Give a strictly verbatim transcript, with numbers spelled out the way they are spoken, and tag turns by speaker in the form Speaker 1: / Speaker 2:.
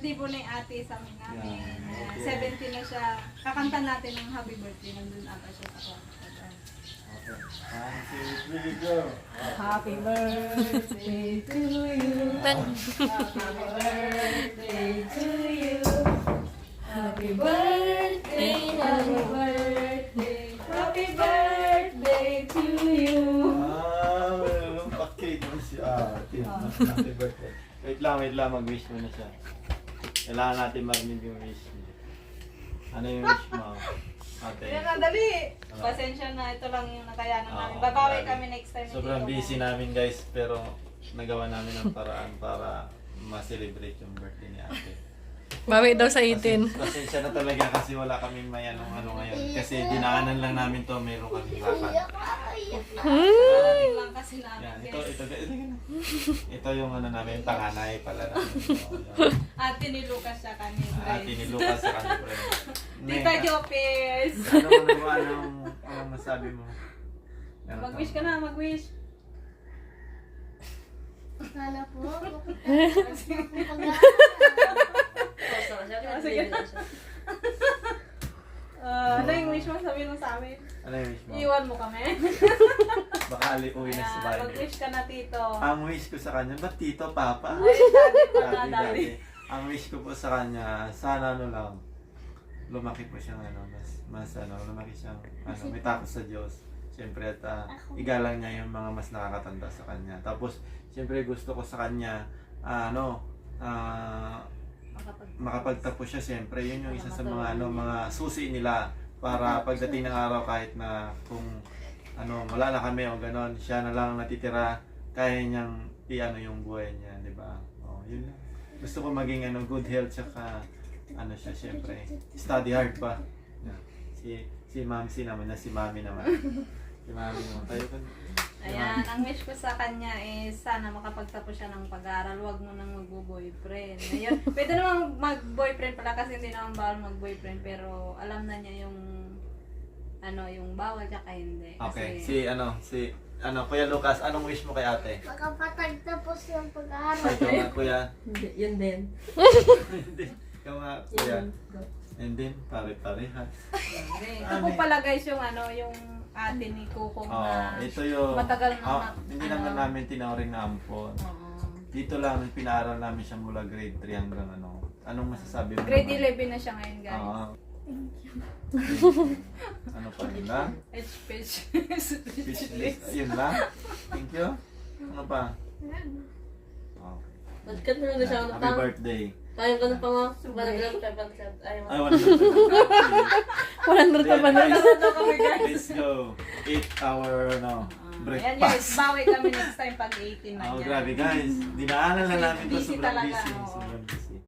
Speaker 1: birthday po na yung ate sa amin namin.
Speaker 2: Yeah,
Speaker 1: Uh,
Speaker 2: okay.
Speaker 1: seventeen na siya. Kakanta natin ng happy birthday. Nandun ata siya sa kwarto.
Speaker 2: Okay. One, two, three, go.
Speaker 1: Happy birthday to you. Happy birthday to you. Happy birthday, happy birthday, happy birthday to you.
Speaker 2: Ah, mayroon pa cake mo si ate. Happy birthday. Wait lang, wait lang. Mag-wish mo na siya. Kailangan natin marinig yung wish niya. Ano yung wish mo? Ate.
Speaker 1: Yan na, dali. Pasensya na, ito lang yung nakayanan namin.
Speaker 2: Oo,
Speaker 1: Babawi
Speaker 2: grabe.
Speaker 1: kami next time.
Speaker 2: Sobrang
Speaker 1: Hindi ko
Speaker 2: busy namin guys, pero nagawa namin ang paraan para ma-celebrate yung birthday ni ate.
Speaker 3: Bawi daw sa eighteen.
Speaker 2: Pasensya, pasensya na talaga kasi wala kaming may anong ano ngayon. Kasi dinaanan lang namin to, meron kaming lakad.
Speaker 1: Parating lang kasi namin.
Speaker 2: Yan, ito,
Speaker 1: guys.
Speaker 2: ito, ito, ito, ito yung ano namin, panganay pala namin. So, yan.
Speaker 1: Ate ni Lucas siya kami.
Speaker 2: Ate ni Lucas sa kanya friend.
Speaker 1: Tita Jopez.
Speaker 2: Ano mo na ba, anong, anong masabi mo? Ano
Speaker 1: Mag-wish
Speaker 2: to?
Speaker 1: ka na, mag-wish.
Speaker 4: Sana po.
Speaker 1: Uh, ano yung wish mo? Sabihin mo sa amin.
Speaker 2: Ano yung wish mo?
Speaker 1: Iwan mo kami.
Speaker 2: Baka ali uwi na sa
Speaker 1: Ayan,
Speaker 2: bahay.
Speaker 1: mag-wish ka na, Tito.
Speaker 2: Ang wish ko sa kanya, ba't tito, papa?
Speaker 1: Ay, daddy pa na,
Speaker 2: Dati,
Speaker 1: daddy.
Speaker 2: dati. Ang wish ko po sa kanya, sana ano lang, lumaki po siyang ano, mas, mas ano, lumaki siyang, ano, may takot sa Diyos. Siyempre at ah, igalang niya yung mga mas nakakatanda sa kanya. Tapos, siyempre gusto ko sa kanya, ah, ano, ah, makapagtapos siya siyempre. Yun yung isa sa mga, ano, mga susi nila para pagdating ng araw kahit na kung ano, wala na kami o ganon, siya na lang natitira, kaya niyang i-ano yung buhay niya, di ba? Oh, yun lang. Gusto ko maging ano, good health, tsaka ano siya, syempre, study hard pa. Yeah. Si si Mamsi naman na si Mami naman. Si Mami naman. Tayo ka.
Speaker 1: Ayan, ang wish ko sa kanya is sana makapagtapos siya ng pag-aaral, huwag mo nang magbo-boyfriend. Ayun, pwede namang mag-boyfriend pala kasi hindi naman bawal mag-boyfriend, pero alam na niya yung ano, yung bawal tsaka hindi.
Speaker 2: Okay,
Speaker 1: Kasi,
Speaker 2: si ano, si ano, Kuya Lucas, anong wish mo kay ate?
Speaker 4: Makapatagtapos ng pag-aaral.
Speaker 2: Ay, ikaw nga, Kuya.
Speaker 3: Hindi, yun din.
Speaker 2: Hindi. Ikaw nga, Kuya. And then, pare-pareha.
Speaker 1: ito po pala guys yung ano, yung ate ni Kukong
Speaker 2: Oh,
Speaker 1: na
Speaker 2: ito yung,
Speaker 1: matagal na
Speaker 2: ah,
Speaker 1: na-
Speaker 2: hindi
Speaker 1: ano.
Speaker 2: naman namin tinawring na ampon.
Speaker 1: Oo.
Speaker 2: Dito lang, pinaaral namin siya mula grade three hanggang ano. Anong masasabi mo?
Speaker 1: Grade
Speaker 2: naman?
Speaker 1: eleven na siya ngayon guys.
Speaker 2: Oo. Ano pa yun lang?
Speaker 1: H-pitch.
Speaker 2: Speechless. Ayun lang? Thank you. Ano pa? Oh.
Speaker 3: Nagkat mo na siya ng
Speaker 2: Happy birthday.
Speaker 3: Kaya ko na pa nga. Barangay five hundred. Ayaw.
Speaker 2: Ay, wala na.
Speaker 3: one hundred pa ba na?
Speaker 2: Let's go. Eat our, no,
Speaker 1: Ayan guys,
Speaker 2: breakfast.
Speaker 1: bawi kami next time pag eighteen na
Speaker 2: Oh,
Speaker 1: yan.
Speaker 2: grabe guys. Dinaanan lang namin to.
Speaker 1: Busy
Speaker 2: Sobrang
Speaker 1: talaga,
Speaker 2: busy.
Speaker 1: oo.
Speaker 2: Sobrang busy.